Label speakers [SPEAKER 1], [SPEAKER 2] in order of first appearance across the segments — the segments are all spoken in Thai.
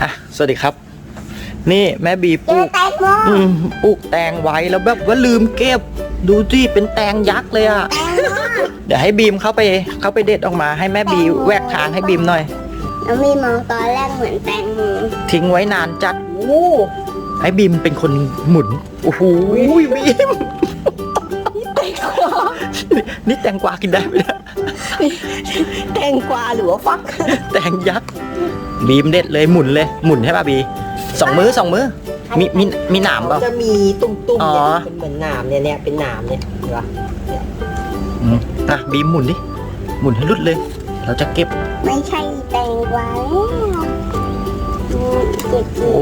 [SPEAKER 1] สวัสดีครับนี่แม่บีปลูกปลูกแตงไว้แล้วแบบว่าลืมเก็บดูสิเป็นแตงยักษ์เลยอ่ะเดี๋ยวให้บีมเข้าไปเด็ดออกมาให้แม่บีแหวกทางให้บีมหน่อย
[SPEAKER 2] แล้วมีมองตอนแรกเหมือนแตงโม
[SPEAKER 1] ทิ้งไว้นานจัดให้บีมเป็นคนหมุนโอ้โหบีมนี่แตงกวากินได้ไหมเนี่ย
[SPEAKER 2] แตงกวาหรือว่าฟัก
[SPEAKER 1] แตงยักษ์บีมเด็ดเลยหมุนให้ป่ะบีสองมือมีหนามเปล่า
[SPEAKER 3] จะมีตุ่มๆเนี่ยเป็นเหมือนหนามเนี่ยเป็นหนามเนี่ยเห็นปะ
[SPEAKER 1] บีมหมุนดิหมุนให้รุดเลยเราจะเก็บ
[SPEAKER 2] ไม่ใช่แตงกวา
[SPEAKER 1] โอ้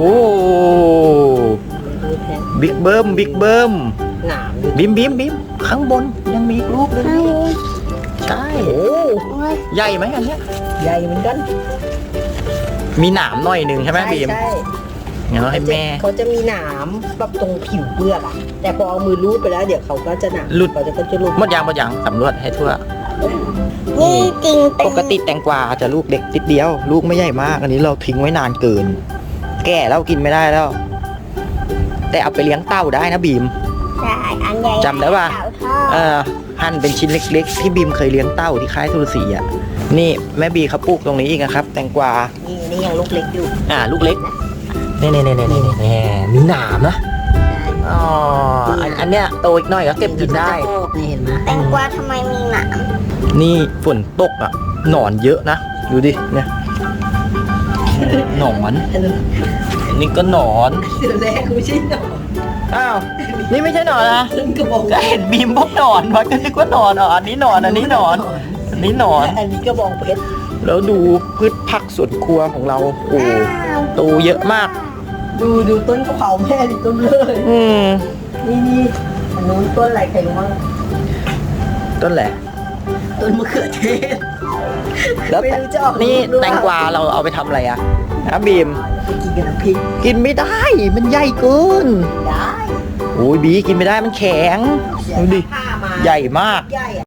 [SPEAKER 1] บิ๊กเบิ้ม
[SPEAKER 3] หนาม
[SPEAKER 1] บีมข้างบนยังมีลูกเลยใช่ใหญ่ไหมอันเนี้ย
[SPEAKER 3] ใหญ่เหมือนกัน
[SPEAKER 1] มีหนามหน่อยนึงใช่ไหมบีม
[SPEAKER 3] ใช่
[SPEAKER 1] งั้นเราให้แม่
[SPEAKER 3] เขาจะมีหนามแบบตรงผิวเปลือกอะแต่พอเอามือรูดไปแล้วเดี๋ยวเขาก็จะหนาม
[SPEAKER 1] หลุด
[SPEAKER 3] เขาจะหลุด
[SPEAKER 1] หมดยังสำรวจให้ทั่ว
[SPEAKER 2] นี่จริง
[SPEAKER 1] ปกติแตงกวาจะลูกเด็กติดเดียวลูกไม่ใหญ่มากอันนี้เราทิ้งไว้นานเกินแก่แล้วกินไม่ได้แล้วแต่เอาไปเลี้ยงเต่าได้นะบีม
[SPEAKER 2] ใช่อันใหญ่
[SPEAKER 1] จำได้ป่ะหั่นเป็นชิ้นเล็กๆที่บีมเคยเลี้ยงเต่าที่ค่ายทุรศรีอ่ะนี่แม่บีเขาปลูกตรงนี้อีกนะครับแตงกวา
[SPEAKER 3] นี่ยังลูกเล็กอยู่
[SPEAKER 1] ลูกเล็กนี่มีหนามนะอ๋ออันเนี้ยโตอีกหน่อยก็เก็บกินได้
[SPEAKER 3] นี่เห็นไหม
[SPEAKER 2] แตงกวาทำไมมีหนาม
[SPEAKER 1] นี่ฝนตกอ่ะหนอนเยอะนะดูดิเนี่ยหนอนนี่ก็หนอน
[SPEAKER 3] แรกไม่ใช่หนอน
[SPEAKER 1] อ้าวนี่ไม่ใช่หนอนนะก็เห็นบีมพวกหนอนมันก็นึกว่าหนอนอันนี้หนอนอันนี้หนอน
[SPEAKER 3] กระบองเพชร
[SPEAKER 1] แล้วดูพืชผักสวนครัวของเราโอ้โตเยอะมาก
[SPEAKER 3] ดูต้นกะเพราแม่ดิต้นเลยนี่อันนู้นต้นอะไรใครรู้มั้ง
[SPEAKER 1] ต้นแหละ
[SPEAKER 3] ต้นมะเขือเทศ
[SPEAKER 1] แล้วนี่แตงกวาเราเอาไปทำอะไรอะนะบีม
[SPEAKER 3] กินกับน้ำพริก
[SPEAKER 1] กินไม่ได้มันใหญ่เกิน
[SPEAKER 3] ได้
[SPEAKER 1] โอ้ยบีกินไม่ได้มันแข็งดูดิใหญ่มาก